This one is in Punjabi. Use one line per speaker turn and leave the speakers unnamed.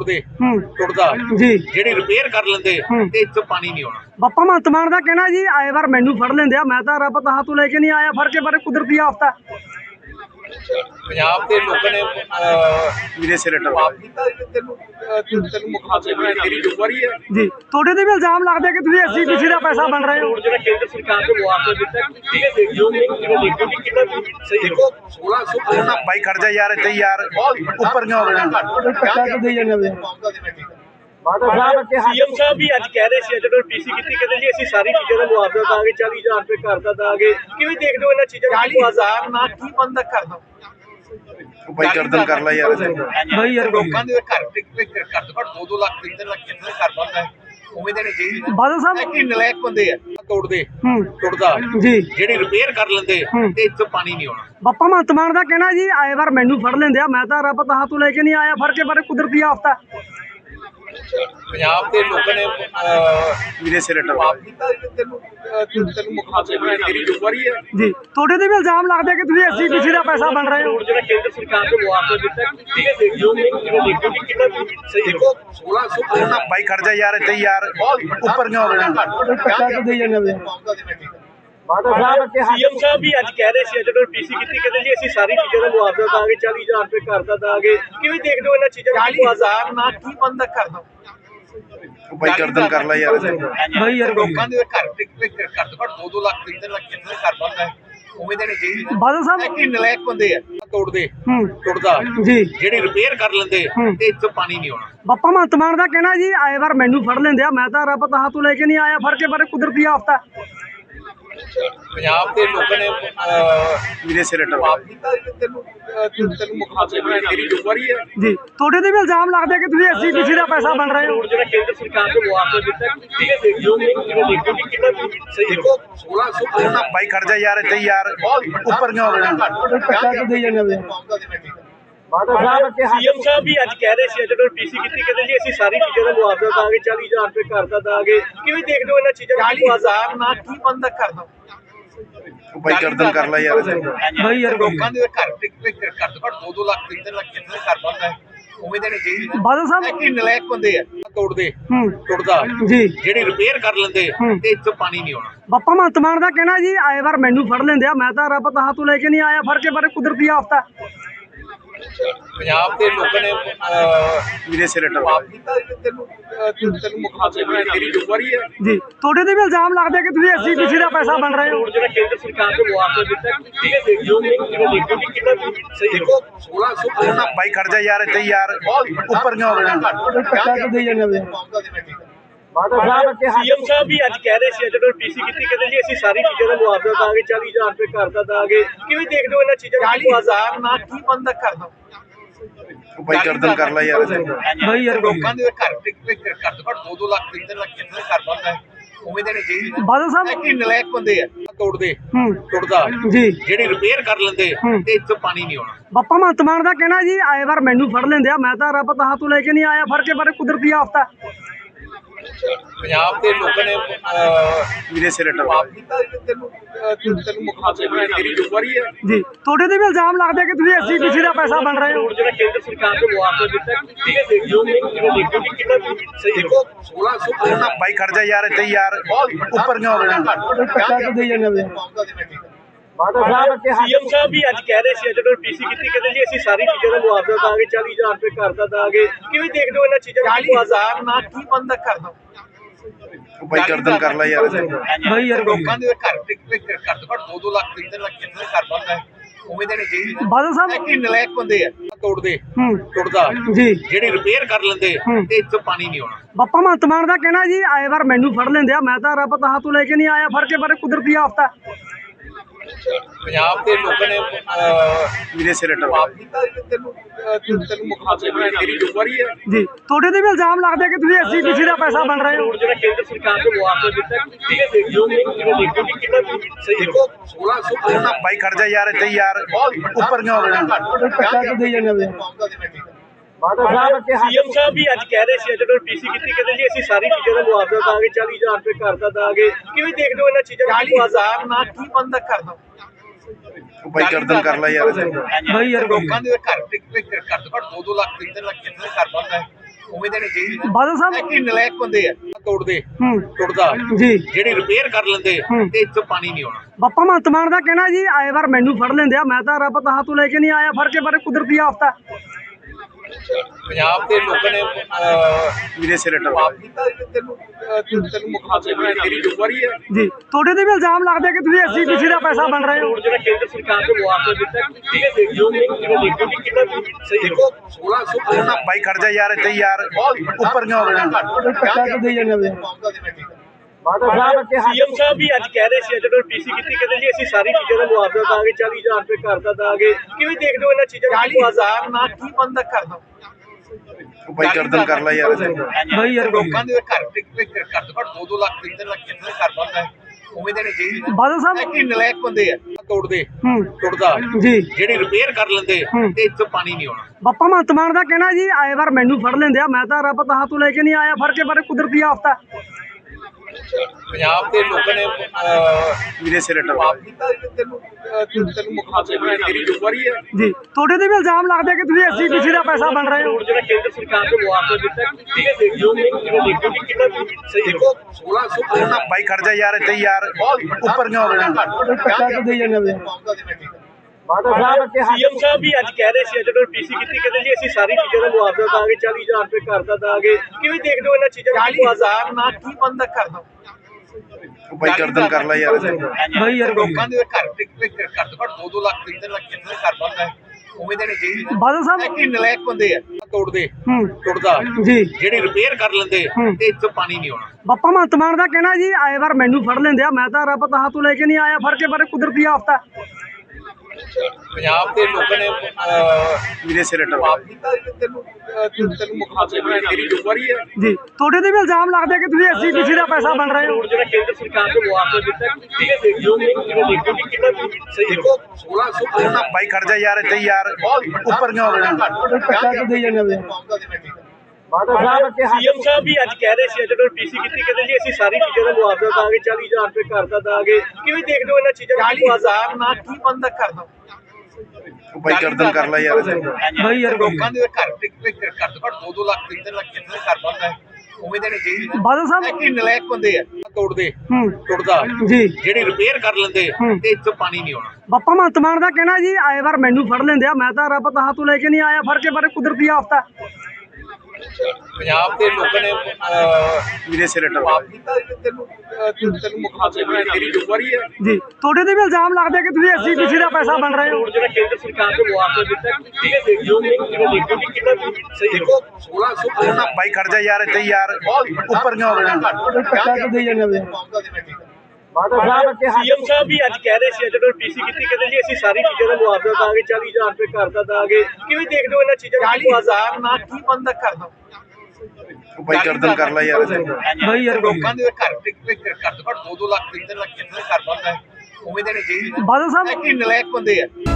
ਤੋੜਦੇ
ਹੂੰ
ਟੁੱਟਦਾ
ਜੀ
ਜਿਹੜੀ ਰਿਪੇਅਰ ਕਰ ਲੈਂਦੇ ਤੇ ਇੱਥੇ ਪਾਣੀ ਨਹੀਂ ਆਉਣਾ।
ਬੱਪਾ ਮਹੰਤ ਮਾਨ ਦਾ ਕਹਿਣਾ ਜੀ ਆਏ ਵਾਰ ਮੈਨੂੰ ਫੜ ਲੈਂਦੇ ਆ, ਮੈਂ ਤਾਂ ਰੱਬ ਤਹਾਂ ਤੋਂ ਲੈ ਕੇ ਨਹੀਂ ਆਇਆ, ਫੜ ਕੇ ਪਰ ਕੁਦਰਤੀ ਆਫਤਾ
ਪੰਜਾਬ ਦੇ ਲੋਕਾਂ ਨੇ
ਵੀਰੇ ਸਿਰ
ਜਵਾਬ ਦਿੱਤਾ ਕਿ ਤੈਨੂੰ ਮੁੱਖ ਮੰਤਰੀ ਬਣਾਉਣ ਤੇਰੀ ਜ਼ਿੰਮੇਵਾਰੀ ਹੈ
ਜੀ। ਤੁਹਾਡੇ ਤੇ ਵੀ ਇਲਜ਼ਾਮ ਲੱਗਦਾ ਕਿ ਤੁਸੀਂ SCPC ਦਾ ਪੈਸਾ ਬਣ ਰਹੇ ਹੋ।
ਜਿਹੜਾ ਕੇਂਦਰ ਸਰਕਾਰ ਨੇ ਮੁਆਵਜ਼ਾ ਦਿੱਤਾ ਠੀਕ ਹੈ, ਦੇਖੋ ਦੇਖੋ ਕਿ ਕਿੰਨਾ ਸਹੀ ਦੇਖੋ 1600 ਕਰੋੜ ਦਾ
ਬਾਈ ਖੜ ਜਾ ਯਾਰ ਇੱਥੇ ਯਾਰ ਉੱਪਰ ਕਿਉਂ ਹੋ ਰਿਹਾ।
ਸੀਐਮ ਸਾਹਿਬ ਵੀ ਅੱਜ ਕਹਿ ਰਹੇ ਸੀ ਜਦੋਂ ਪੀਸੀ ਕੀਤੀ ਕਹਿੰਦੇ ਜੀ ਅਸੀਂ ਸਾਰੀ ਚੀਜ਼ਾਂ ਦਾ ਮੁਆਵਜ਼ਾ ਦਾਂਗੇ, 40,000 ਰੁਪਏ ਘਰ ਦਾ ਦਾਂਗੇ। ਕਿਵੇਂ ਦੇਖਦੇ ਹੋ ਇਹਨਾਂ ਚੀਜ਼ਾਂ ਦਾ? 40,000 ਨਾ ਕੀ ਬੰਦਾ ਕਰ ਦੋ
ਬਾਈ ਗਰਦਨ ਕਰ ਲੈ ਯਾਰ
ਬਾਈ ਯਾਰ
ਲੋਕਾਂ ਦੇ ਘਰ ਟਿਕ ਕਰ ਦੋ 2-2 ਲੱਖ 3 ਲੱਖ ਕਿੰਨੇ ਕਰ ਬੰਦਾ ਹੈ ਉਵੇਂ ਦੇ ਨਹੀਂ ਚਾਹੀਦੇ।
ਬਾਦਲ ਸਾਹਿਬ
ਕਿ ਨਲਾਇਕ ਬੰਦੇ ਆ ਤੋੜਦੇ ਟੁੱਟਦਾ
ਜੀ
ਜਿਹੜੀ ਰਿਪੇਅਰ ਕਰ ਲੈਂਦੇ ਤੇ ਇੱਥੇ ਪਾਣੀ ਨਹੀਂ ਆਉਣਾ।
ਬੱਪਾ ਮਹੰਤ ਮਾਨ ਦਾ ਕਹਿਣਾ ਜੀ ਆਏ ਵਾਰ ਮੈਨੂੰ ਫੜ ਲੈਂਦੇ ਆ, ਮੈਂ ਤਾਂ ਰੱਬ ਤਹਾਂ ਤੋਂ ਲੈ ਕੇ ਨਹੀਂ ਆਇਆ, ਫੜ ਕੇ ਪਰ ਕੁਦਰਤੀ ਆਫਤਾ
ਪੰਜਾਬ ਦੇ ਲੋਕਾਂ ਨੇ
ਵੀਰੇ ਸਿਰ
ਜਵਾਬ ਦਿੱਤਾ ਕਿ ਤੈਨੂੰ ਮੁੱਖ ਮੰਤਰੀ ਬਣਾਉਣ ਤੇਰੀ ਜ਼ਿੰਮੇਵਾਰੀ ਹੈ
ਜੀ। ਤੁਹਾਡੇ ਤੇ ਵੀ ਇਲਜ਼ਾਮ ਲੱਗਦਾ ਕਿ ਤੁਸੀਂ SCPC ਦਾ ਪੈਸਾ ਬਣ ਰਹੇ ਹੋ।
ਜਿਹੜਾ ਕੇਂਦਰ ਸਰਕਾਰ ਨੇ ਮੁਆਵਜ਼ਾ ਦਿੱਤਾ ਠੀਕ ਹੈ, ਦੇਖੋ ਦੇਖੋ ਕਿ ਕਿੰਨਾ ਸਹੀ ਦੇਖੋ 1600 ਕਰੋੜ ਦਾ
ਬਾਈ ਖੜ ਜਾ ਯਾਰ ਇੱਥੇ ਯਾਰ ਉੱਪਰ ਕਿਉਂ ਹੋ ਰਿਹਾ।
ਸੀਐਮ ਸਾਹਿਬ ਵੀ ਅੱਜ ਕਹਿ ਰਹੇ ਸੀ ਜਦੋਂ ਪੀਸੀ ਕੀਤੀ ਕਹਿੰਦੇ ਜੀ ਅਸੀਂ ਸਾਰੀ ਚੀਜ਼ਾਂ ਦਾ ਮੁਆਵਜ਼ਾ ਦਾਂਗੇ, 40,000 ਰੁਪਏ ਘਰ ਦਾ ਦਾਂਗੇ। ਕਿਵੇਂ ਦੇਖਦੇ ਹੋ ਇਹਨਾਂ ਚੀਜ਼ਾਂ ਦਾ? 40,000 ਨਾ ਕੀ ਬੰਦਾ ਕਰ ਦੋ
ਬਾਈ ਗਰਦਨ ਕਰ ਲੈ ਯਾਰ
ਬਾਈ ਯਾਰ
ਲੋਕਾਂ ਦੇ ਘਰ ਟਿਕ ਕਰ ਦੋ 2-2 ਲੱਖ 3 ਲੱਖ ਕਿੰਨੇ ਕਰ ਬੰਦਾ ਹੈ ਉਵੇਂ ਦੇ ਨਹੀਂ ਚਾਹੀਦੇ।
ਬਾਦਲ ਸਾਹਿਬ
ਕਿ ਨਲਾਇਕ ਬੰਦੇ ਆ ਤੋੜਦੇ ਟੁੱਟਦਾ
ਜੀ
ਜਿਹੜੀ ਰਿਪੇਅਰ ਕਰ ਲੈਂਦੇ ਤੇ ਇੱਥੇ ਪਾਣੀ ਨਹੀਂ ਆਉਣਾ।
ਬੱਪਾ ਮਹੰਤ ਮਾਨ ਦਾ ਕਹਿਣਾ ਜੀ ਆਏ ਵਾਰ ਮੈਨੂੰ ਫੜ ਲੈਂਦੇ ਆ, ਮੈਂ ਤਾਂ ਰੱਬ ਤਹਾਂ ਤੋਂ ਲੈ ਕੇ ਨਹੀਂ ਆਇਆ, ਫੜ ਕੇ ਪਰ ਕੁਦਰਤੀ ਆਫਤਾ
ਪੰਜਾਬ ਦੇ ਲੋਕਾਂ ਨੇ
ਵੀਰੇ ਸਿਰ
ਜਵਾਬ ਦਿੱਤਾ ਕਿ ਤੈਨੂੰ ਮੁੱਖ ਮੰਤਰੀ ਬਣਾਉਣ ਤੇਰੀ ਜ਼ਿੰਮੇਵਾਰੀ ਹੈ
ਜੀ। ਤੁਹਾਡੇ ਤੇ ਵੀ ਇਲਜ਼ਾਮ ਲੱਗਦਾ ਕਿ ਤੁਸੀਂ SCPC ਦਾ ਪੈਸਾ ਬਣ ਰਹੇ ਹੋ।
ਜਿਹੜਾ ਕੇਂਦਰ ਸਰਕਾਰ ਨੇ ਮੁਆਵਜ਼ਾ ਦਿੱਤਾ ਠੀਕ ਹੈ, ਦੇਖੋ ਦੇਖੋ ਕਿ ਕਿੰਨਾ ਸਹੀ ਦੇਖੋ 1600 ਕਰੋੜ ਦਾ
ਬਾਈ ਖੜ ਜਾ ਯਾਰ ਇੱਥੇ ਯਾਰ ਉੱਪਰ ਕਿਉਂ ਹੋ ਰਿਹਾ।
ਸੀਐਮ ਸਾਹਿਬ ਵੀ ਅੱਜ ਕਹਿ ਰਹੇ ਸੀ ਜਦੋਂ ਪੀਸੀ ਕੀਤੀ ਕਹਿੰਦੇ ਜੀ ਅਸੀਂ ਸਾਰੀ ਚੀਜ਼ਾਂ ਦਾ ਮੁਆਵਜ਼ਾ ਦਾਂਗੇ, 40,000 ਰੁਪਏ ਘਰ ਦਾ ਦਾਂਗੇ। ਕਿਵੇਂ ਦੇਖਦੇ ਹੋ ਇਹਨਾਂ ਚੀਜ਼ਾਂ ਦਾ? 40,000 ਨਾ ਕੀ ਬੰਦਾ ਕਰ ਦੋ
ਬਾਈ ਗਰਦਨ ਕਰ ਲੈ ਯਾਰ
ਬਾਈ ਯਾਰ
ਲੋਕਾਂ ਦੇ ਘਰ ਟਿਕ ਕਰ ਦੋ 2-2 ਲੱਖ 3 ਲੱਖ ਕਿੰਨੇ ਕਰ ਬੰਦਾ ਹੈ ਉਵੇਂ ਦੇ ਨਹੀਂ ਚਾਹੀਦੇ।
ਬਾਦਲ ਸਾਹਿਬ
ਕਿ ਨਲਾਇਕ ਬੰਦੇ ਆ ਤੋੜਦੇ ਟੁੱਟਦਾ
ਜੀ
ਜਿਹੜੀ ਰਿਪੇਅਰ ਕਰ ਲੈਂਦੇ ਤੇ ਇੱਥੇ ਪਾਣੀ ਨਹੀਂ ਆਉਣਾ।
ਬੱਪਾ ਮਹੰਤ ਮਾਨ ਦਾ ਕਹਿਣਾ ਜੀ ਆਏ ਵਾਰ ਮੈਨੂੰ ਫੜ ਲੈਂਦੇ ਆ, ਮੈਂ ਤਾਂ ਰੱਬ ਤਹਾਂ ਤੋਂ ਲੈ ਕੇ ਨਹੀਂ ਆਇਆ, ਫੜ ਕੇ ਪਰ ਕੁਦਰਤੀ ਆਫਤਾ
ਪੰਜਾਬ ਦੇ ਲੋਕਾਂ ਨੇ
ਵੀਰੇ ਸਿਰ
ਜਵਾਬ ਦਿੱਤਾ ਕਿ ਤੈਨੂੰ ਮੁੱਖ ਮੰਤਰੀ ਬਣਾਉਣ ਤੇਰੀ ਜ਼ਿੰਮੇਵਾਰੀ ਹੈ
ਜੀ। ਤੁਹਾਡੇ ਤੇ ਵੀ ਇਲਜ਼ਾਮ ਲੱਗਦਾ ਕਿ ਤੁਸੀਂ SCPC ਦਾ ਪੈਸਾ ਬਣ ਰਹੇ ਹੋ।
ਜਿਹੜਾ ਕੇਂਦਰ ਸਰਕਾਰ ਨੇ ਮੁਆਵਜ਼ਾ ਦਿੱਤਾ ਠੀਕ ਹੈ, ਦੇਖੋ ਦੇਖੋ ਕਿ ਕਿੰਨਾ ਸਹੀ ਦੇਖੋ 1600 ਕਰੋੜ ਦਾ
ਬਾਈ ਖੜ ਜਾ ਯਾਰ ਇੱਥੇ ਯਾਰ ਉੱਪਰ ਕਿਉਂ ਹੋ ਰਿਹਾ।
ਸੀਐਮ ਸਾਹਿਬ ਵੀ ਅੱਜ ਕਹਿ ਰਹੇ ਸੀ ਜਦੋਂ ਪੀਸੀ ਕੀਤੀ ਕਹਿੰਦੇ ਜੀ ਅਸੀਂ ਸਾਰੀ ਚੀਜ਼ਾਂ ਦਾ ਮੁਆਵਜ਼ਾ ਦਾਂਗੇ, 40,000 ਰੁਪਏ ਘਰ ਦਾ ਦਾਂਗੇ। ਕਿਵੇਂ ਦੇਖਦੇ ਹੋ ਇਹਨਾਂ ਚੀਜ਼ਾਂ ਦਾ? 40,000 ਨਾ ਕੀ ਬੰਦਾ ਕਰ ਦੋ
ਬਾਈ ਗਰਦਨ ਕਰ ਲੈ ਯਾਰ
ਬਾਈ ਯਾਰ
ਲੋਕਾਂ ਦੇ ਘਰ ਟਿਕ ਕਰ ਦੋ 2-2 ਲੱਖ 3 ਲੱਖ ਕਿੰਨੇ ਕਰ ਬੰਦਾ ਹੈ ਉਵੇਂ ਦੇ ਨਹੀਂ ਚਾਹੀਦੇ।
ਬਾਦਲ ਸਾਹਿਬ
ਕਿ ਨਲਾਇਕ ਬੰਦੇ ਆ ਤੋੜਦੇ ਟੁੱਟਦਾ
ਜੀ
ਜਿਹੜੀ ਰਿਪੇਅਰ ਕਰ ਲੈਂਦੇ ਤੇ ਇੱਥੇ ਪਾਣੀ ਨਹੀਂ ਆਉਣਾ।
ਬੱਪਾ ਮਹੰਤ ਮਾਨ ਦਾ ਕਹਿਣਾ ਜੀ ਆਏ ਵਾਰ ਮੈਨੂੰ ਫੜ ਲੈਂਦੇ ਆ, ਮੈਂ ਤਾਂ ਰੱਬ ਤਹਾਂ ਤੋਂ ਲੈ ਕੇ ਨਹੀਂ ਆਇਆ, ਫੜ ਕੇ ਪਰ ਕੁਦਰਤੀ ਆਫਤਾ
ਪੰਜਾਬ ਦੇ ਲੋਕਾਂ ਨੇ
ਵੀਰੇ ਸਿਰ
ਜਵਾਬ ਦਿੱਤਾ ਕਿ ਤੈਨੂੰ ਮੁੱਖ ਮੰਤਰੀ ਬਣਾਉਣ ਤੇਰੀ ਜ਼ਿੰਮੇਵਾਰੀ ਹੈ
ਜੀ। ਤੁਹਾਡੇ ਤੇ ਵੀ ਇਲਜ਼ਾਮ ਲੱਗਦਾ ਕਿ ਤੁਸੀਂ SCPC ਦਾ ਪੈਸਾ ਬਣ ਰਹੇ ਹੋ।
ਜਿਹੜਾ ਕੇਂਦਰ ਸਰਕਾਰ ਨੇ ਮੁਆਵਜ਼ਾ ਦਿੱਤਾ ਠੀਕ ਹੈ, ਦੇਖੋ ਦੇਖੋ ਕਿ ਕਿੰਨਾ ਸਹੀ ਦੇਖੋ 1600 ਕਰੋੜ ਦਾ
ਬਾਈ ਖੜ ਜਾ ਯਾਰ ਇੱਥੇ ਯਾਰ ਉੱਪਰ ਕਿਉਂ ਹੋ ਰਿਹਾ।
ਸੀਐਮ ਸਾਹਿਬ ਵੀ ਅੱਜ ਕਹਿ ਰਹੇ ਸੀ ਜਦੋਂ ਪੀਸੀ ਕੀਤੀ ਕਹਿੰਦੇ ਜੀ ਅਸੀਂ ਸਾਰੀ ਚੀਜ਼ਾਂ ਦਾ ਮੁਆਵਜ਼ਾ ਦਾਂਗੇ, 40,000 ਰੁਪਏ ਘਰ ਦਾ ਦਾਂਗੇ। ਕਿਵੇਂ ਦੇਖਦੇ ਹੋ ਇਹਨਾਂ ਚੀਜ਼ਾਂ ਦਾ? 40,000 ਨਾ ਕੀ ਬੰਦਾ ਕਰ ਦੋ
ਬਾਈ ਗਰਦਨ ਕਰ ਲੈ ਯਾਰ
ਬਾਈ ਯਾਰ
ਲੋਕਾਂ ਦੇ ਘਰ ਟਿਕ ਕਰ ਦੋ 2-2 ਲੱਖ 3 ਲੱਖ ਕਿੰਨੇ ਕਰ ਬੰਦਾ ਹੈ ਉਵੇਂ ਦੇ ਨਹੀਂ ਚਾਹੀਦੇ।
ਬਾਦਲ ਸਾਹਿਬ
ਕਿ ਨਲਾਇਕ ਬੰਦੇ ਆ ਤੋੜਦੇ ਟੁੱਟਦਾ
ਜੀ
ਜਿਹੜੀ ਰਿਪੇਅਰ ਕਰ ਲੈਂਦੇ ਤੇ ਇੱਥੇ ਪਾਣੀ ਨਹੀਂ ਆਉਣਾ।
ਬੱਪਾ ਮਹੰਤ ਮਾਨ ਦਾ ਕਹਿਣਾ ਜੀ ਆਏ ਵਾਰ ਮੈਨੂੰ ਫੜ ਲੈਂਦੇ ਆ, ਮੈਂ ਤਾਂ ਰੱਬ ਤਹਾਂ ਤੋਂ ਲੈ ਕੇ ਨਹੀਂ ਆਇਆ, ਫੜ ਕੇ ਪਰ ਕੁਦਰਤੀ ਆਫਤਾ
ਪੰਜਾਬ ਦੇ ਲੋਕਾਂ ਨੇ
ਵੀਰੇ ਸਿਰ
ਜਵਾਬ ਦਿੱਤਾ ਕਿ ਤੈਨੂੰ ਮੁੱਖ ਮੰਤਰੀ ਬਣਾਉਣ ਤੇਰੀ ਜ਼ਿੰਮੇਵਾਰੀ ਹੈ
ਜੀ। ਤੁਹਾਡੇ ਤੇ ਵੀ ਇਲਜ਼ਾਮ ਲੱਗਦਾ ਕਿ ਤੁਸੀਂ SCPC ਦਾ ਪੈਸਾ ਬਣ ਰਹੇ ਹੋ।
ਜਿਹੜਾ ਕੇਂਦਰ ਸਰਕਾਰ ਨੇ ਮੁਆਵਜ਼ਾ ਦਿੱਤਾ ਠੀਕ ਹੈ, ਦੇਖੋ ਦੇਖੋ ਕਿ ਕਿੰਨਾ ਸਹੀ ਦੇਖੋ 1600 ਕਰੋੜ ਦਾ
ਬਾਈ ਖੜ ਜਾ ਯਾਰ ਇੱਥੇ ਯਾਰ ਉੱਪਰ ਕਿਉਂ ਹੋ ਰਿਹਾ।
ਸੀਐਮ ਸਾਹਿਬ ਵੀ ਅੱਜ ਕਹਿ ਰਹੇ ਸੀ ਜਦੋਂ ਪੀਸੀ ਕੀਤੀ ਕਹਿੰਦੇ ਜੀ ਅਸੀਂ ਸਾਰੀ ਚੀਜ਼ਾਂ ਦਾ ਮੁਆਵਜ਼ਾ ਦਾਂਗੇ, 40,000 ਰੁਪਏ ਘਰ ਦਾ ਦਾਂਗੇ। ਕਿਵੇਂ ਦੇਖਦੇ ਹੋ ਇਹਨਾਂ ਚੀਜ਼ਾਂ ਦਾ? 40,000 ਨਾ ਕੀ ਬੰਦਾ ਕਰ ਦੋ
ਬਾਈ ਗਰਦਨ ਕਰ ਲੈ ਯਾਰ
ਬਾਈ ਯਾਰ
ਲੋਕਾਂ ਦੇ ਘਰ ਟਿਕ ਕਰ ਦੋ 2-2 ਲੱਖ 3 ਲੱਖ ਕਿੰਨੇ ਕਰ ਬੰਦਾ ਹੈ
ਉਵੇਂ ਦੇਣੇ ਚਾਹੀਦੇ
ਬਾਦਲ ਸਾਹਿਬ
ਕਿ ਨਲਾਇਕ ਬੰਦੇ ਆ ਤੋੜਦੇ
ਹੂੰ
ਟੁੱਟਦਾ
ਜੀ
ਜਿਹੜੀ ਰਿਪੇਅਰ ਕਰ ਲੈਂਦੇ ਤੇ ਇੱਥੋਂ ਪਾਣੀ ਨਹੀਂ ਆਉਣਾ।
ਬੱਪਾ ਮਹੰਤ ਮਾਨ ਦਾ ਕਹਿਣਾ ਜੀ ਆਏ ਵਾਰ ਮੈਨੂੰ ਫੜ ਲੈਂਦੇ ਆ, ਮੈਂ ਤਾਂ ਰੱਬ ਤਹਾਂ ਤੋਂ ਲੈ ਕੇ ਨਹੀਂ ਆਇਆ, ਫੜ ਕੇ ਪਰ ਕੁਦਰਤੀ ਆਫਤਾ
ਪੰਜਾਬ ਦੇ ਲੋਕਾਂ ਨੇ ਵੀਰੇ ਸਿਰ ਟਪਾ ਕੀਤਾ। ਤੈਨੂੰ ਮੁੱਖ ਮੰਤਰੀ ਬਣਾਇਆ ਤੇਰੀ ਜ਼ਿੰਮੇਵਾਰੀ ਹੈ
ਜੀ। ਤੁਹਾਡੇ ਤੇ ਵੀ ਇਲਜ਼ਾਮ ਲੱਗਦਾ ਕਿ ਤੁਸੀਂ ਐਸਸੀ ਬੀਸੀ ਦਾ ਪੈਸਾ ਬਣ ਰਹੇ ਹੋ।
ਜਿਹੜਾ ਕੇਂਦਰ ਸਰਕਾਰ ਨੇ ਮੁਆਵਜ਼ਾ ਦਿੱਤਾ, ਠੀਕ ਹੈ, ਦੇਖੋ ਜਿਵੇਂ ਦੇਖੋ ਕਿ ਕਿੰਨਾ ਸਹੀ ਹੈ।
ਦੇਖੋ 1600 ਕਰੋੜ ਬਾਈ ਖਰਚਾ ਯਾਰ ਇੱਥੇ ਯਾਰ ਉੱਪਰ ਕਿਉਂ ਹੋ ਰਿਹਾ।
ਸੀਐਮ ਸਾਹਿਬ ਵੀ ਅੱਜ ਕਹਿ ਰਹੇ ਸੀ ਜਦੋਂ ਪੀਸੀ ਕੀਤੀ, ਕਹਿੰਦੇ ਜੀ ਅਸੀਂ ਸਾਰੀ ਚੀਜ਼ਾਂ ਦਾ ਮੁਆਵਜ਼ਾ ਦਾਂਗੇ, 40,000 ਰੁਪਏ ਘਰ ਦਾ ਦਾਂਗੇ। ਕਿਵੇਂ ਦੇਖਦੇ ਹੋ ਇਹਨਾਂ ਚੀਜ਼ਾਂ ਦਾ ਮੁਆਵਜ਼ਾ?
40,000 ਨਾਲ ਕੀ ਬੰਦਾ ਕਰਦਾ
ਭਾਈ ਗਰਦਨ ਕਰ ਲੈ ਯਾਰ
ਭਾਈ ਯਾਰ
ਲੋਕਾਂ ਦੇ ਘਰ ਟਿਕ ਘੱਟ ਤੋਂ ਘੱਟ 2-2 ਲੱਖ 3 ਲੱਖ ਕਿੰਨੇ ਕਰ ਬੰਦਾ ਹੈ ਉਵੇਂ ਦੇਣੇ ਚਾਹੀਦੇ
ਬਾਦਲ ਸਾਹਿਬ
ਕਿ ਨਲਾਇਕ ਬੰਦੇ ਆ ਤੋੜਦੇ
ਹੂੰ
ਟੁੱਟਦਾ
ਜੀ
ਜਿਹੜੀ ਰਿਪੇਅਰ ਕਰ ਲੈਂਦੇ ਤੇ ਇੱਥੋਂ ਪਾਣੀ ਨਹੀਂ ਆਉਣਾ।
ਬੱਪਾ ਮਹੰਤ ਮਾਨ ਦਾ ਕਹਿਣਾ ਜੀ ਆਏ ਵਾਰ ਮੈਨੂੰ ਫੜ ਲੈਂਦੇ ਆ, ਮੈਂ ਤਾਂ ਰੱਬ ਤਹਾਂ ਤੋਂ ਲੈ ਕੇ ਨਹੀਂ ਆਇਆ, ਫੜ ਕੇ ਪਰ ਕੁਦਰਤੀ ਆਫਤਾ
ਪੰਜਾਬ ਦੇ ਲੋਕਾਂ ਨੇ
ਵੀਰੇ ਸਿਰ ਟਪਾ
ਕੀਤਾ। ਤੈਨੂੰ ਮੁੱਖ ਮੰਤਰੀ ਬਣਾਇਆ ਤੇਰੀ ਜ਼ਿੰਮੇਵਾਰੀ ਹੈ
ਜੀ। ਤੁਹਾਡੇ ਤੇ ਵੀ ਇਲਜ਼ਾਮ ਲੱਗਦਾ ਕਿ ਤੁਸੀਂ ਐਸਸੀ ਬੀਸੀ ਦਾ ਪੈਸਾ ਬਣ ਰਹੇ ਹੋ।
ਜਿਹੜਾ ਕੇਂਦਰ ਸਰਕਾਰ ਨੇ ਮੁਆਵਜ਼ਾ ਦਿੱਤਾ, ਠੀਕ ਹੈ, ਦੇਖੋ ਜਿਵੇਂ ਦੇਖੋ ਕਿ ਕਿੰਨਾ ਸਹੀ ਹੈ।
ਦੇਖੋ 1600 ਕਰੋੜ
ਭਾਈ ਖਰਚਾ ਯਾਰ ਇੱਥੇ ਯਾਰ ਉੱਪਰ ਕਿਉਂ ਹੋ ਰਿਹਾ।
ਸੀਐਮ ਸਾਹਿਬ ਵੀ ਅੱਜ ਕਹਿ ਰਹੇ ਸੀ ਜਦੋਂ ਪੀਸੀ ਕੀਤੀ, ਕਹਿੰਦੇ ਜੀ ਅਸੀਂ ਸਾਰੀ ਚੀਜ਼ਾਂ ਦਾ ਮੁਆਵਜ਼ਾ ਦਾਂਗੇ, 40,000 ਰੁਪਏ ਘਰ ਦਾ ਦਾਂਗੇ। ਕਿਵੇਂ ਦੇਖਦੇ ਹੋ ਇਹਨਾਂ ਚੀਜ਼ਾਂ ਦਾ ਮੁਆਵਜ਼ਾ?
40,000 ਨਾਲ ਕੀ ਬੰਦਾ ਕਰਦਾ
ਭਾਈ ਗਰਦਨ ਕਰ ਲੈ ਯਾਰ
ਭਾਈ ਯਾਰ
ਲੋਕਾਂ ਦੇ ਘਰ ਟਿਕ ਘੱਟ ਤੋਂ ਘੱਟ 2-2 ਲੱਖ 3 ਲੱਖ ਕਿੰਨੇ ਕਰ ਬੰਦਾ ਹੈ ਉਵੇਂ ਦੇਣੇ ਚਾਹੀਦੇ
ਬਾਦਲ ਸਾਹਿਬ
ਕਿ ਨਲਾਇਕ ਬੰਦੇ ਆ ਤੋੜਦੇ
ਹੂੰ
ਟੁੱਟਦਾ
ਜੀ
ਜਿਹੜੀ ਰਿਪੇਅਰ ਕਰ ਲੈਂਦੇ ਤੇ ਇੱਥੋਂ ਪਾਣੀ ਨਹੀਂ ਆਉਣਾ।
ਬੱਪਾ ਮਹੰਤ ਮਾਨ ਦਾ ਕਹਿਣਾ ਜੀ ਆਏ ਵਾਰ ਮੈਨੂੰ ਫੜ ਲੈਂਦੇ ਆ, ਮੈਂ ਤਾਂ ਰੱਬ ਤਹਾਂ ਤੋਂ ਲੈ ਕੇ ਨਹੀਂ ਆਇਆ, ਫੜ ਕੇ ਪਰ ਕੁਦਰਤੀ ਆਫਤਾ
ਪੰਜਾਬ ਦੇ ਲੋਕਾਂ ਨੇ
ਵੀਰੇ ਸਿਰ ਟਪਾ
ਕੀਤਾ। ਤੈਨੂੰ ਮੁੱਖ ਮੰਤਰੀ ਬਣਾਇਆ ਤੇਰੀ ਜ਼ਿੰਮੇਵਾਰੀ ਹੈ
ਜੀ। ਤੁਹਾਡੇ ਤੇ ਵੀ ਇਲਜ਼ਾਮ ਲੱਗਦਾ ਕਿ ਤੁਸੀਂ ਐਸਸੀ ਬੀਸੀ ਦਾ ਪੈਸਾ ਬਣ ਰਹੇ ਹੋ।
ਜਿਹੜਾ ਕੇਂਦਰ ਸਰਕਾਰ ਨੇ ਮੁਆਵਜ਼ਾ ਦਿੱਤਾ, ਠੀਕ ਹੈ, ਦੇਖੋ ਜਿਵੇਂ ਦੇਖੋ ਕਿ ਕਿੰਨਾ ਸਹੀ ਹੈ।
ਦੇਖੋ 1600 ਕਰੋੜ
ਭਾਈ ਖਰਚਾ ਯਾਰ ਇੱਥੇ ਯਾਰ ਉੱਪਰ ਕਿਉਂ ਹੋ ਰਿਹਾ।
ਸੀਐਮ ਸਾਹਿਬ ਵੀ ਅੱਜ ਕਹਿ ਰਹੇ ਸੀ ਜਦੋਂ ਪੀਸੀ ਕੀਤੀ, ਕਹਿੰਦੇ ਜੀ ਅਸੀਂ ਸਾਰੀ ਚੀਜ਼ਾਂ ਦਾ ਮੁਆਵਜ਼ਾ ਦਾਂਗੇ, 40,000 ਰੁਪਏ ਘਰ ਦਾ ਦਾਂਗੇ। ਕਿਵੇਂ ਦੇਖਦੇ ਹੋ ਇਹਨਾਂ ਚੀਜ਼ਾਂ ਦਾ ਮੁਆਵਜ਼ਾ?
40,000 ਨਾਲ ਕੀ ਬੰਦਾ ਕਰਦਾ
ਭਾਈ ਗਰਦਨ ਕਰ ਲੈ ਯਾਰ
ਭਾਈ ਯਾਰ
ਲੋਕਾਂ ਦੇ ਘਰ ਟਿਕ ਘੱਟ ਤੋਂ ਘੱਟ 2-2 ਲੱਖ 3 ਲੱਖ ਕਿੰਨੇ ਕਰ ਬੰਦਾ ਹੈ ਉਵੇਂ ਦੇਣੇ ਚਾਹੀਦੇ
ਬਾਦਲ ਸਾਹਿਬ
ਕਿ ਨਲਾਇਕ ਬੰਦੇ ਆ ਤੋੜਦੇ
ਹੂੰ
ਟੁੱਟਦਾ
ਜੀ
ਜਿਹੜੀ ਰਿਪੇਅਰ ਕਰ ਲੈਂਦੇ ਤੇ ਇੱਥੋਂ ਪਾਣੀ ਨਹੀਂ ਆਉਣਾ।
ਬੱਪਾ ਮਹੰਤ ਮਾਨ ਦਾ ਕਹਿਣਾ ਜੀ ਆਏ ਵਾਰ ਮੈਨੂੰ ਫੜ ਲੈਂਦੇ ਆ, ਮੈਂ ਤਾਂ ਰੱਬ ਤਹਾਂ ਤੋਂ ਲੈ ਕੇ ਨਹੀਂ ਆਇਆ, ਫੜ ਕੇ ਪਰ ਕੁਦਰਤੀ ਆਫਤਾ
ਪੰਜਾਬ ਦੇ ਲੋਕਾਂ ਨੇ
ਵੀਰੇ ਸਿਰ ਟਪਾ
ਕੀਤਾ। ਤੈਨੂੰ ਮੁੱਖ ਮੰਤਰੀ ਬਣਾਇਆ ਤੇਰੀ ਜ਼ਿੰਮੇਵਾਰੀ ਹੈ
ਜੀ। ਤੁਹਾਡੇ ਤੇ ਵੀ ਇਲਜ਼ਾਮ ਲੱਗਦਾ ਕਿ ਤੁਸੀਂ ਐਸਸੀ ਬੀਸੀ ਦਾ ਪੈਸਾ ਬਣ ਰਹੇ ਹੋ।
ਜਿਹੜਾ ਕੇਂਦਰ ਸਰਕਾਰ ਨੇ ਮੁਆਵਜ਼ਾ ਦਿੱਤਾ, ਠੀਕ ਹੈ, ਦੇਖੋ ਜਿਵੇਂ ਦੇਖੋ ਕਿ ਕਿੰਨਾ ਸਹੀ ਹੈ।
ਦੇਖੋ 1600 ਕਰੋੜ
ਭਾਈ ਖਰਚਾ ਯਾਰ ਇੱਥੇ ਯਾਰ ਉੱਪਰ ਕਿਉਂ ਹੋ ਰਿਹਾ।
ਸੀਐਮ ਸਾਹਿਬ ਵੀ ਅੱਜ ਕਹਿ ਰਹੇ ਸੀ ਜਦੋਂ ਪੀਸੀ ਕੀਤੀ, ਕਹਿੰਦੇ ਜੀ ਅਸੀਂ ਸਾਰੀ ਚੀਜ਼ਾਂ ਦਾ ਮੁਆਵਜ਼ਾ ਦਾਂਗੇ, 40,000 ਰੁਪਏ ਘਰ ਦਾ ਦਾਂਗੇ। ਕਿਵੇਂ ਦੇਖਦੇ ਹੋ ਇਹਨਾਂ ਚੀਜ਼ਾਂ ਦਾ ਮੁਆਵਜ਼ਾ?
40,000 ਨਾਲ ਕੀ ਬੰਦਾ ਕਰਦਾ
ਭਾਈ ਗਰਦਨ ਕਰ ਲੈ ਯਾਰ
ਭਾਈ ਯਾਰ
ਲੋਕਾਂ ਦੇ ਘਰ ਟਿਕ ਘੱਟ ਤੋਂ ਘੱਟ 2-2 ਲੱਖ 3 ਲੱਖ ਕਿੰਨੇ ਕਰ ਬੰਦਾ ਹੈ ਉਵੇਂ ਦੇਣੇ ਚਾਹੀਦੇ
ਬਾਦਲ ਸਾਹਿਬ
ਕਿ ਨਲਾਇਕ ਬੰਦੇ ਆ